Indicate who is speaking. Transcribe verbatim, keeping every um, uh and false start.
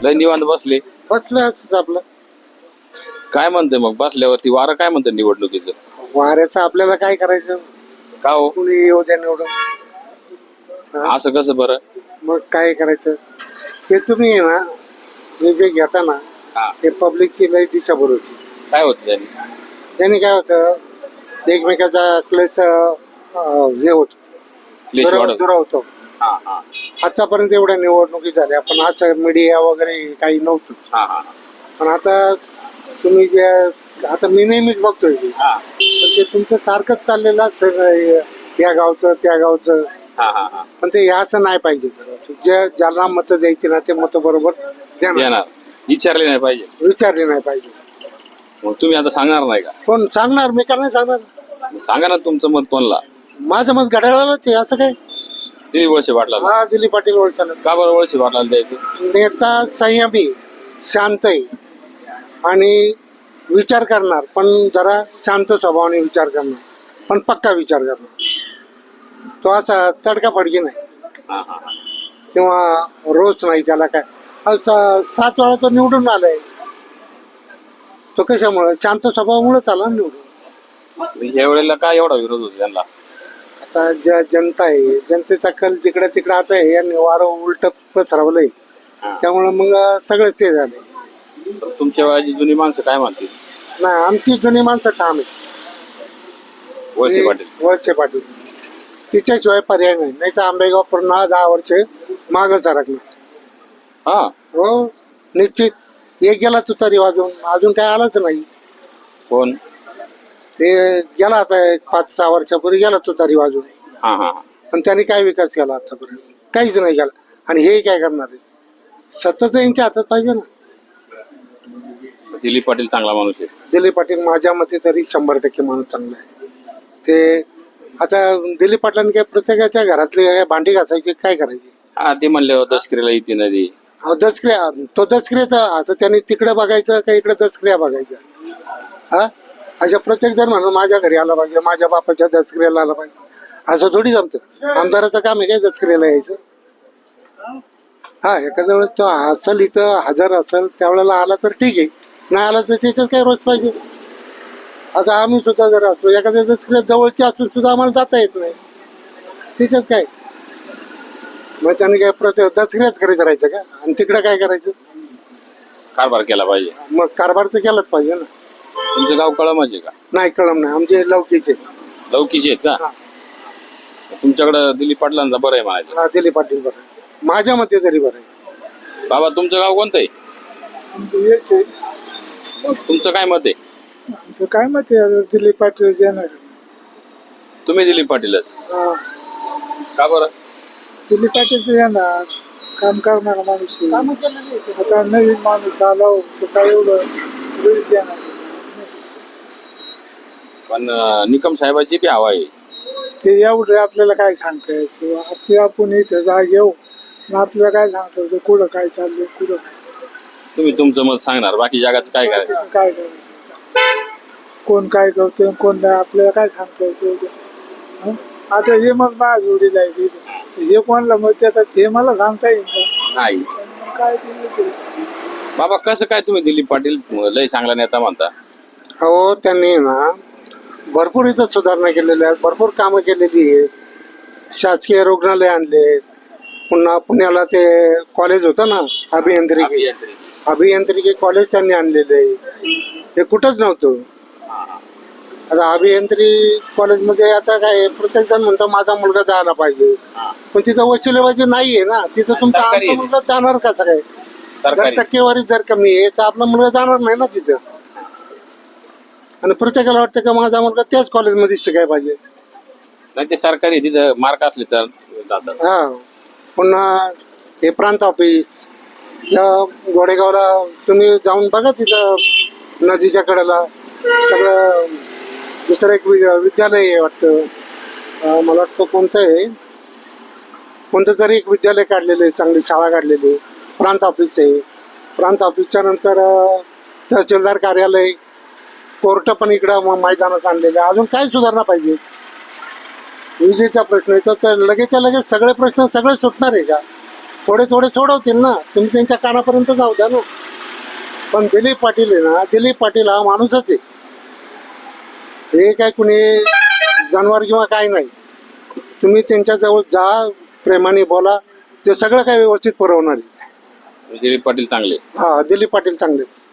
Speaker 1: लय निवांत बसले.
Speaker 2: बसलं असंच आपलं.
Speaker 1: काय म्हणते मग बसल्यावरती वारं काय म्हणते निवडणुकीचं?
Speaker 2: वाऱ्याचं आपल्याला काय करायचं,
Speaker 1: का हो
Speaker 2: कुणी येऊ द्या निवडून.
Speaker 1: असं कसं बरं?
Speaker 2: मग काय करायचं ते तुम्ही आहे ना, हे जे घेता ना
Speaker 1: हा.
Speaker 2: ते पब्लिकची लय दिशाभूल होती.
Speaker 1: काय होत त्यांनी?
Speaker 2: त्यांनी काय होतं, एकमेकाचा क्लेश हे होत
Speaker 1: क्लेश वाढत.
Speaker 2: दुरावतो.
Speaker 1: हा हा
Speaker 2: आतापर्यंत एवढ्या निवडणुकी झाल्या पण असं मीडिया वगैरे काही नव्हतं.
Speaker 1: हा हा
Speaker 2: पण आता तुम्ही जे आता मी नेहमीच बघतोय ते,
Speaker 1: हा
Speaker 2: पण ते तुमचं सारखंच चाललेलं असतं, या गावचं त्या गावचं.
Speaker 1: हा हा हा
Speaker 2: पण ते असं नाही पाहिजे. जे ज्याला मतं द्यायची ना ते मतं बरोबर देणार,
Speaker 1: देणार. विचारले नाही पाहिजे.
Speaker 2: विचारले नाही पाहिजे.
Speaker 1: मग तुम्ही आता सांगणार नाही का?
Speaker 2: कोण सांगणार, मी का नाही सांगणार.
Speaker 1: मग सांगा ना तुमचं मत कोणला?
Speaker 2: माझं मत घड्याळालाच आहे. असं काय
Speaker 1: दिलीप वळसे पाटला.
Speaker 2: हा दिलीप पाटील ओळखला.
Speaker 1: का बरं वळसे पाटलाला द्यायचं?
Speaker 2: नेता संयमी, शांत आहे आणि विचार करणार, पण जरा शांत स्वभावाने विचार करणार, पण पक्का विचार करणार. तो असा तडकाफडकी नाही
Speaker 1: हा हा हा.
Speaker 2: किंवा रोज नाही. त्याला काय असं सात वेळा तो निवडून आलाय. तो कशामुळे? शांत स्वभावामुळेच आला निवडून.
Speaker 1: या वेळेला काय एवढा विरोध होतो त्यांना?
Speaker 2: आता ज्या जनता आहे, जनतेचा कल जिकडे तिकडे आता आहे, यांनी वारं उलट पसरवलंय. त्यामुळे मग सगळेच ते झाले.
Speaker 1: तुमच्या वयाची जुनी माणसं काय म्हणतील?
Speaker 2: नाही, आमची जुनी माणसं ठाम आहे.
Speaker 1: वळसे पाटील.
Speaker 2: वळसे पाटील तिच्याशिवाय पर्याय नाही. नाही तर आंबेगाव पूर्ण दहा वर्ष मागं सरकणार.
Speaker 1: हा
Speaker 2: हो निश्चित. एक गेला तुतारी वाजून, अजून काय आलाच नाही.
Speaker 1: कोण?
Speaker 2: ते गेला आता एक पाच सहा वर्षापूर्वी गेला तुतारी वाजून.
Speaker 1: हा हा
Speaker 2: पण त्यांनी काय विकास केला आतापर्यंत? काहीच नाही केला. आणि हे काय करणार आहे? सतत यांच्या हातात पाहिजे ना.
Speaker 1: दिलीप पाटील चांगला माणूस आहे.
Speaker 2: दिलीप पाटील माझ्या मते तरी शंभर टक्के माणूस चांगला आहे. ते आता दिलीप पाटलांनी काय प्रत्येकाच्या घरातले भांडी घासायची, काय करायची?
Speaker 1: हा ते म्हणले दसकरीला येते नदी.
Speaker 2: अहो दसक्रिया, तो दसक्रियाचा आता त्यांनी तिकडे बघायचं का इकडे दसक्रिया बघायच्या? हा अशा प्रत्येक जण म्हणून माझ्या घरी आला पाहिजे, माझ्या बापाच्या दसक्रियाला आला पाहिजे, असं थोडी जमतं. आमदाराचं काम आहे काय दसक्रियाला यायचं? हा एखाद्या वेळेस तो असेल इथं हजर असेल त्यावेळेला आला तर ठीक आहे, नाही आला तर त्याच्यात काय रोज पाहिजे. आता आम्ही सुद्धा जर असतो एखाद्या दसक्रिया जवळची असून सुद्धा आम्हाला जाता येत नाही, त्याच्यात काय? मग त्यांनी काय प्रत्येक दसक्रियाच करायचं राहायचं का? आणि तिकडे काय करायचं?
Speaker 1: कारभार केला पाहिजे.
Speaker 2: मग कारभार तर केलाच पाहिजे ना.
Speaker 1: तुमचं गाव कळमाचे का?
Speaker 2: नाही कळम नाही, आमचे लौकीचे.
Speaker 1: लौकीचे आहेत का? तुमच्याकडे दिलीप पाटलांचा बरं आहे म्हणायचं.
Speaker 2: हा दिलीप पाटील बरं आहे, माझ्या मते तरी बरं आहे.
Speaker 1: बाबा तुमचं गाव कोणतं आहे?
Speaker 2: आमचं हेच आहे.
Speaker 1: मग तुमचं काय मत आहे?
Speaker 2: आमचं काय मत आहे? दिलीप पाटील येणार.
Speaker 1: तुम्ही दिलीप पाटीलच का बरं?
Speaker 2: दिलीप पाटीलच येणार, काम करणारा माणूस आहे. आता नवीन माणूस आला तर काय एवढं वेळच येणार.
Speaker 1: पण निकम साहेबाची बी हवा आहे.
Speaker 2: ते एवढं आपल्याला काय सांगता यायचं? आपली आपण इथं जाग येऊ, आपल्याला काय सांगता यायचं कुठं काय चाललंय, कुठं काय?
Speaker 1: तुम्ही तुमचं मत सांगणार, बाकी जगाचं काय करायचं?
Speaker 2: काय करायचं? कोण काय करतोय कोण नाही आपल्याला काय सांगता यायचं? आता हे मग माझ्या जोडीला आहे, हे कोणाला मत देतात हे मला सांगता येईल
Speaker 1: नाही.
Speaker 2: काय?
Speaker 1: बाबा कसं काय तुम्ही दिलीप पाटील लय चांगला नेता म्हणता?
Speaker 2: हो त्यांनी ना भरपूर इथं सुधारणा केलेल्या आहेत, भरपूर कामं केलेली आहेत. शासकीय रुग्णालय आणले, पुन्हा पुण्याला ते कॉलेज होतं ना अभियांत्रिकी, अभियांत्रिकी कॉलेज त्यांनी आणलेलं आहे. हे कुठंच नव्हतं. आता अभियांत्रिकी कॉलेजमध्ये आता काय प्रत्येक जण म्हणतो माझा मुलगा जायला पाहिजे, पण तिथं वशिलेबाजी नाही आहे ना. तिथं तुमचा आमचा मुलगा जाणार कसं काय? जर टक्केवारी जर कमी आहे तर आपला मुलगा जाणार नाही ना तिथं. आणि प्रत्येकाला वाटतं का माझा मुलगा त्याच कॉलेजमध्ये शिकायला पाहिजे.
Speaker 1: नाही ते सरकारी तिथं मार्क असले तर जातात.
Speaker 2: हा पुन्हा हे प्रांत ऑफिस या गोडेगावला तुम्ही जाऊन बघा, तिथं नदीच्या कडेला सगळं दुसरं एक विद्यालय आहे वाटतं, मला वाटतं कोणतं आहे, कोणतं तरी एक विद्यालय काढलेलं आहे, चांगली शाळा काढलेली आहे. प्रांत ऑफिस आहे, प्रांत ऑफिसच्या नंतर तहसीलदार कार्यालय, कोर्ट पण इकडं मैदानात आणलेलं आहे. अजून काय सुधारणा पाहिजे? विजेचा प्रश्न येतो तर लगेचच्या लगेच सगळे प्रश्न सगळे सुटणार आहे का? थोडे थोडे सोडवतील ना, तुम्ही त्यांच्या कानापर्यंत जाऊ द्या ना. पण दिलीप पाटील आहे ना, दिलीप पाटील हा माणूसच आहे. हे काय कुणी जनावर किंवा काय नाही. तुम्ही त्यांच्याजवळ जा, प्रेमाने बोला, ते सगळं काय व्यवस्थित पुरवणार आहे.
Speaker 1: दिलीप पाटील चांगले.
Speaker 2: हा, दिलीप पाटील चांगले.